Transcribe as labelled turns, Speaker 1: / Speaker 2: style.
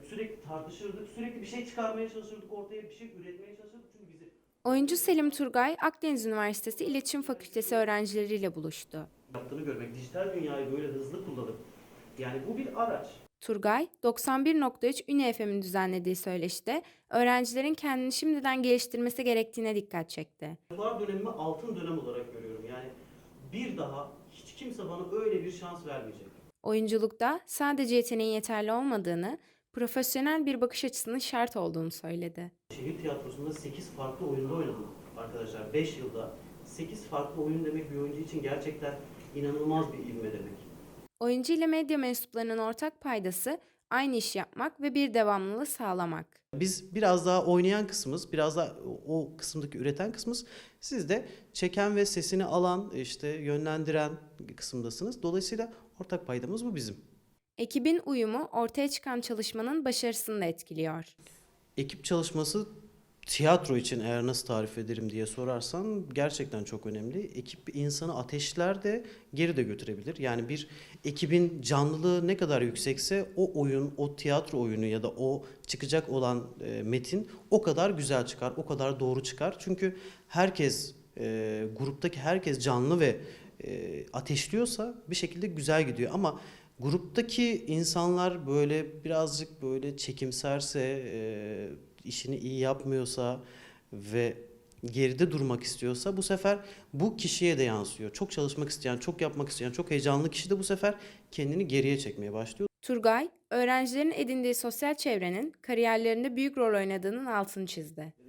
Speaker 1: sürekli tartışırdık, sürekli bir şey çıkarmaya çalışırdık, ortaya bir şey üretmeye çalışırdık çünkü bizi
Speaker 2: Oyuncu Selim Turgay, Akdeniz Üniversitesi İletişim Fakültesi öğrencileriyle buluştu.
Speaker 1: yaptığını görmek, dijital dünyayı böyle hızlı kullanıp, yani bu bir araç.
Speaker 2: Turgay, 91.3 Üni FM'in düzenlediği söyleşide öğrencilerin kendini şimdiden geliştirmesi gerektiğine dikkat çekti.
Speaker 1: Yıllar dönemimi altın dönem olarak görüyorum. Yani bir daha hiç kimse bana öyle bir şans vermeyecek.
Speaker 2: Oyunculukta sadece yeteneğin yeterli olmadığını, profesyonel bir bakış açısının şart olduğunu söyledi.
Speaker 1: Şehir tiyatrosunda 8 farklı oyunda oynadım arkadaşlar. 5 yılda 8 farklı oyun demek bir oyuncu için gerçekten inanılmaz bir ivme demek.
Speaker 2: Oyuncu ile medya mensuplarının ortak paydası aynı iş yapmak ve bir devamlılığı sağlamak.
Speaker 3: Biz biraz daha oynayan kısmımız, biraz daha o kısımdaki üreten kısmımız. Siz de çeken ve sesini alan, işte yönlendiren kısımdasınız. Dolayısıyla ortak paydamız bu bizim.
Speaker 2: Ekibin uyumu ortaya çıkan çalışmanın başarısını da etkiliyor.
Speaker 3: Ekip çalışması tiyatro için eğer nasıl tarif ederim diye sorarsan gerçekten çok önemli. Ekip insanı ateşler de geri de götürebilir. Yani bir ekibin canlılığı ne kadar yüksekse o oyun, o tiyatro oyunu ya da o çıkacak olan metin o kadar güzel çıkar, o kadar doğru çıkar. Çünkü herkes, gruptaki herkes canlı ve ateşliyorsa bir şekilde güzel gidiyor. Ama gruptaki insanlar böyle birazcık böyle çekimserse, işini iyi yapmıyorsa ve geride durmak istiyorsa bu sefer bu kişiye de yansıyor. Çok çalışmak isteyen, çok yapmak isteyen, çok heyecanlı kişi de bu sefer kendini geriye çekmeye başlıyor.
Speaker 2: Turgay, öğrencilerin edindiği sosyal çevrenin kariyerlerinde büyük rol oynadığının altını çizdi.